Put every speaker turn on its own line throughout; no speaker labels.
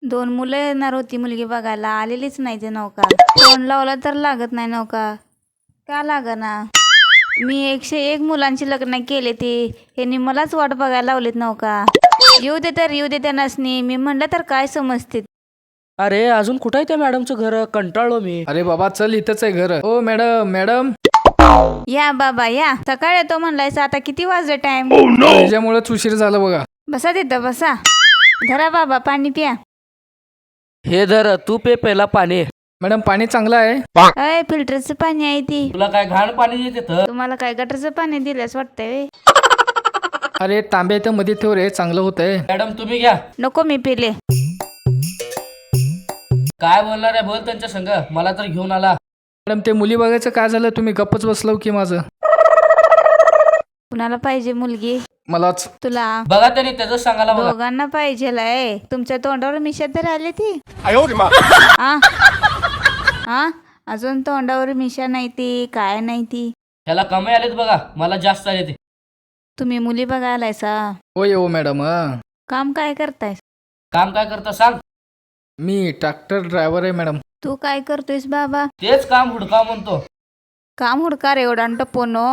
2 मुलं येणार होती मुलगी बघायला, आलेलीच नाही ते नौका. फोन लावला तर लागत नाही नौका. का लागना? मी 101 मुलांची लग्न केले ती, ह्यांनी मलाच वाट बघायला लावलीत नौका. येऊ दे त्या नसनी. मी म्हणलं तर काय समजते.
अरे अजून कुठं आहे त्या मॅडमचं घर? कंटाळलो मी.
अरे बाबा चल, इथंच आहे घर. ओ मॅडम मॅडम,
या बाबा या. सकाळ येतो म्हणलायसा, आता किती वाजले टाइम?
त्याच्यामुळेच उशीर झाला बघा.
बसा तिथं बसा. धरा बाबा पाणी प्या.
हे धर, तू पे पहिला पाणी.
मॅडम पाणी चांगलं आहे.
अय फिल्टरचं पाणी आहे ती.
तुला काय घाण पाणी देते?
तुम्हाला काय गटरचं पाणी दिल्यास वाटतंय?
अरे तांबे इथं मध्ये ठेव रे, चांगलं होतंय.
मॅडम तुम्ही घ्या.
नको मी पिले.
काय बोलणार आहे? बोल त्यांच्या संग. मला तर घेऊन आला.
मॅडम ते मुली बघायचं काय झालं? तुम्ही गप्पच बसलो की माझं.
कुणाला पाहिजे मुलगी?
मलाच.
तुला?
बघा त्यांनी त्याच सांगायला बघा.
दोघांना पाहिजे. तुमच्या तोंडावर मिशा तर आली ती. आ? आ? अजून तोंडावर मिशा नाही ती, काय नाही ती.
ह्याला कमी आलेत बघा, मला जास्त आले ते.
तुम्ही मुली बघायलायसा?
होय हो मॅडम.
काम काय करताय?
काम काय करता सांग?
मी ट्रॅक्टर ड्रायव्हर आहे मॅडम.
तू काय करतोयस बाबा?
तेच काम हुडका म्हणतो.
काम हुडकार एवढा टप्पोनो.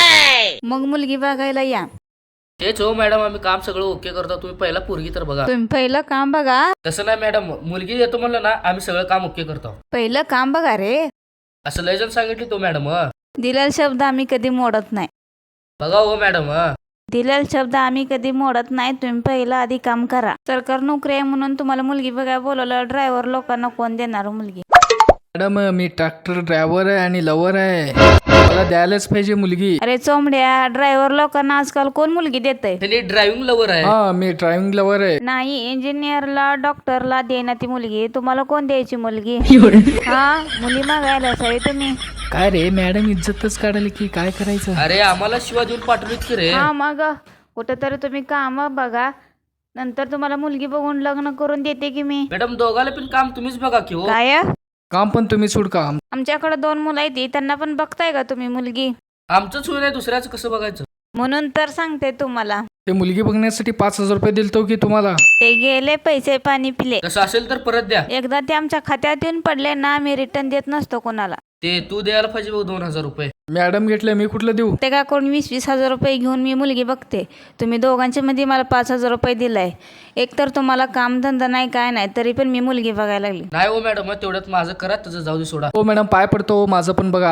मग मुलगी बघायला या.
तेच हो मॅडम, आम्ही काम सगळं ओके करतो. तुम्ही पहिला पोरगी तर बघा.
तुम्ही पहिलं काम बघा.
तसं नाही मॅडम, मुलगी देतो म्हणलं ना, आम्ही सगळं काम ओके करतो.
पहिलं काम बघा रे.
असं लय जण सांगितले तो मॅडम.
दिलेला शब्द आम्ही कधी मोडत नाही.
बघा हो मॅडम.
दिलेला शब्द आम्ही कधी मोडत नाही. तुम्ही पहिलं आधी काम करा. सरकार नोकरी आहे म्हणून तुम्हाला मुलगी बघायला बोलवलं. ड्रायव्हर लोकांना कोण देणार मुलगी?
मॅडम मी ट्रॅक्टर ड्रायव्हर आहे आणि लवर आहे. मला द्यायलाच पाहिजे मुलगी.
अरे चोंबड्या, ड्रायव्हर लोकांना आजकाल कोण मुलगी देतय?
त्यांनी ड्रायव्हिंग लवर आहे.
हा मी ड्रायव्हिंग लवर आहे.
नाही, इंजिनियरला डॉक्टरला देणार ती मुलगी. तुम्हाला कोण द्यायची मुलगी? हा मुली मागायला सगळे तुम्ही.
काय रे मॅडम, इज्जतच काढायला की काय करायचं?
अरे आम्हाला शिवा देऊन पाठवलीत की रे.
हा मग कुठंतरी तुम्ही काम बघा, नंतर तुम्हाला मुलगी बघून लग्न करून देते की मी.
मॅडम दोघाला पण काम तुम्हीच बघा की हो.
काय?
काम पण तुम्ही सोड का?
आमच्याकडे 2 मुलं आहेत, त्यांना पण बघताय का तुम्ही मुलगी?
आमचंच होईल, दुसऱ्याचं कसं बघायचं?
म्हणून तर सांगते तुम्हाला.
ते मुलगी बघण्यासाठी 5,000 रुपये दिलतो की तुम्हाला.
ते गेले, पैसे पाणी पिले.
तसं असेल तर परत द्या.
एकदा ते आमच्या खात्यात येऊन पडले ना, मी रिटर्न देत नसतो कोणाला.
ते तू द्यायला पाहिजे बघ 2,000 रुपये.
मॅडम घेतले, मी कुठलं देऊ?
ते का कोण 20-20 हजार रुपये घेऊन मी मुलगी बघते. तुम्ही दोघांच्या मध्ये मला 5,000 रुपये दिलाय. एक तर तुम्हाला कामधंदा नाही काय नाही, तरी पण मी मुलगी बघायला लागली.
नाही हो मॅडम, तेवढ्यात माझं करा, त्याचं जाऊ दे सोडा.
हो मॅडम पाय पडतो, माझं पण बघा.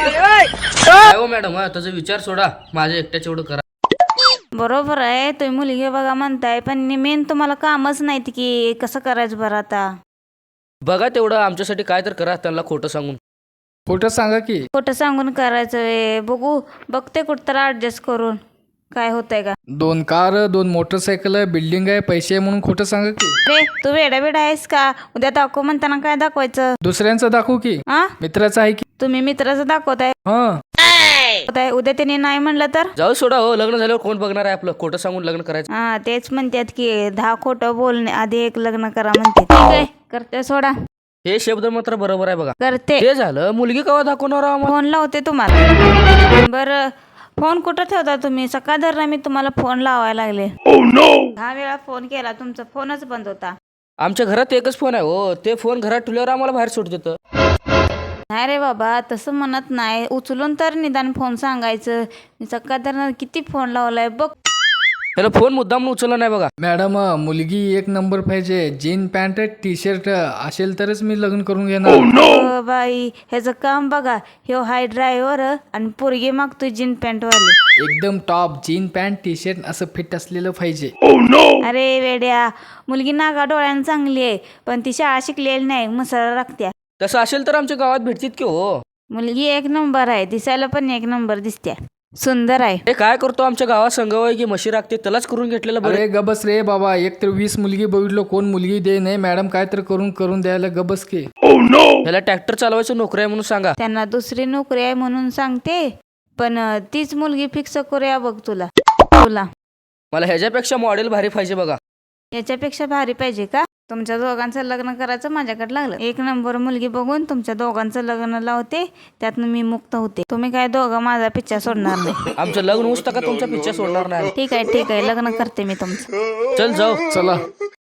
नाही हो मॅडम, त्याचा विचार सोडा, माझ्या एकट्याच एवढं करा.
बरोबर आहे, तुम्ही मुलगी बघा म्हणताय, पण मेन तुम्हाला कामच नाहीत की कसं करायचं बरं आता?
बघा तेवढं आमच्यासाठी काय तर करा, त्यांना खोटं सांगून.
खोटं सांगा की.
खोटं सांगून करायचं आहे. बघते कुठं तर ऍडजस्ट करून काय होतंय का.
2 कार, 2 मोटरसायकल, बिल्डिंग आहे, पैसे आहे म्हणून खोटं सांगा की.
रे तू वेडा आहेस का? उद्या दाखव म्हणताना काय दाखवायचं?
दुसऱ्यांचं दाखवू की?
हा
मित्राचं आहे की?
तुम्ही मित्राचं दाखवताय.
हा
उद्या त्यांनी नाही म्हणलं तर?
जाऊ सोडा हो, लग्न झाल्यावर कोण बघणार आहे आपलं? खोटं सांगून लग्न करायचं.
हा तेच म्हणतात की 10 खोटं बोलणे आधी एक लग्न करा म्हणते. ठीक आहे करते, सोडा.
हे शब्द मात्र बरोबर आहे बघा.
करते.
ते झालं, मुलगी केव्हा दाखवणार आम्हाला?
फोन लावते तुम्हाला. बरं फोन कुठं ठेवता तुम्ही? सकाळ धरणं मी तुम्हाला फोन लावायला लागले. 10 वेळा फोन केला, तुमचा फोनच बंद होता.
आमच्या घरात एकच फोन आहे हो, ते फोन घरात ठेवल्यावर आम्हाला बाहेर सोड देतं.
नाही रे बाबा, तसं म्हणत नाही. उचलून तर निदान फोन सांगायचं. मी सकाळ धरणं किती फोन लावलाय बघ.
त्याला फोन मुद्दाम उचलला नाही बघा.
मॅडम मुलगी 1 नंबर पाहिजे. जीन पॅन्ट टी शर्ट असेल तरच मी लग्न करून घेणार.
हो बाई, ह्याचं काम बघा. ह्यो हाय ड्रायव्हर आणि पोरगी मागतोय जीन पॅन्ट वाली.
एकदम top jean pant T shirt असं फिट असलेलं पाहिजे.
अरे वेड्या, मुलगी नागा डोळ्यानं चांगली आहे, पण ती शाळा शिकलेली नाही, मसाला लागत्या.
तसं असेल तर आमच्या गावात भेटतील की हो.
मुलगी 1 नंबर आहे, दिसायला पण 1 नंबर दिसत्या, सुंदर आहे.
हे काय करतो आमच्या गावात संघवाय की म्हशी राखते, त्यालाच करून घेतलेलं बरं.
अरे गबस रे बाबा, एक तर 20 मुलगी बघितलो, कोण मुलगी दे नाही. मॅडम काय तर करून द्यायला गबस की.
त्याला ट्रॅक्टर चालवायचं नोकरी आहे म्हणून सांगा.
त्यांना दुसरी नोकरी आहे म्हणून सांगते, पण तीच मुलगी फिक्स करूया बघ तुला.
मला ह्याच्यापेक्षा मॉडेल भारी पाहिजे बघा.
याच्यापेक्षा भारी पाहिजे का? तुमच्या दोघांचं लग्न करायचं माझ्याकडे लागलं. 1 नंबर मुलगी बघून तुमच्या दोघांचं लग्न लावते, त्यातनं मी मुक्त होते. तुम्ही काय दोघं माझा पिच्छा सोडणार नाही.
आमचं लग्न होऊस का तुमचा पिच्छा सोडणार नाही.
ठीक आहे लग्न करते मी तुमचं.
चल जाऊ.
चला.